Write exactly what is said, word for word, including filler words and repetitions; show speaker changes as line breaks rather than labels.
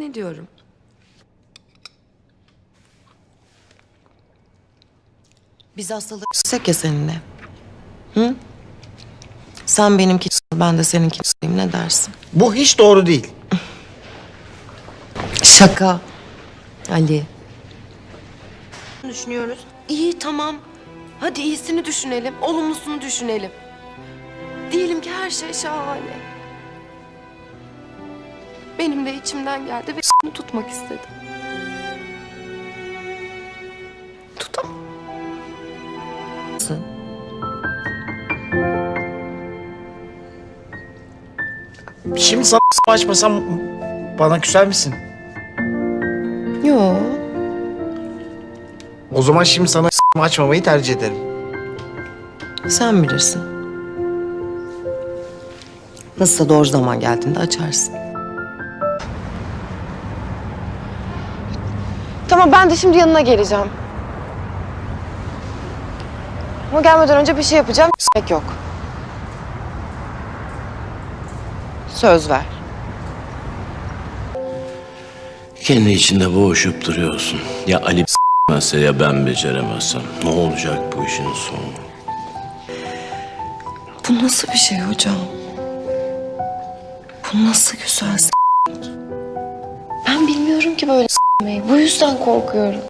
ne diyorum? Biz hastalık ya seninle. Hı? Sen benimki, ben de seninkiyim, ne dersin?
Bu hiç doğru değil.
Şaka. Ali. Düşünüyoruz. İyi, tamam. Hadi iyisini düşünelim, olumlusunu düşünelim. Diyelim ki her şey şahane. Benim de içimden geldi ve onu tutmak istedim. Tutam.
Şimdi sana açmasam bana küser misin?
Yo.
O zaman şimdi sana açmamayı tercih ederim.
Sen bilirsin. Nasılsa doğru zaman geldiğinde açarsın.
Tamam, ben de şimdi yanına geleceğim. Ama gelmeden önce bir şey yapacağım. S**mek yok. Söz ver.
Kendi içinde boğuşup duruyorsun. Ya Ali s**mezse ya ben beceremezsem. Ne olacak bu işin sonu?
Bu nasıl bir şey hocam? Bu nasıl güzel s**mek? Ben bilmiyorum ki böyle s**meyi. Bu yüzden korkuyorum.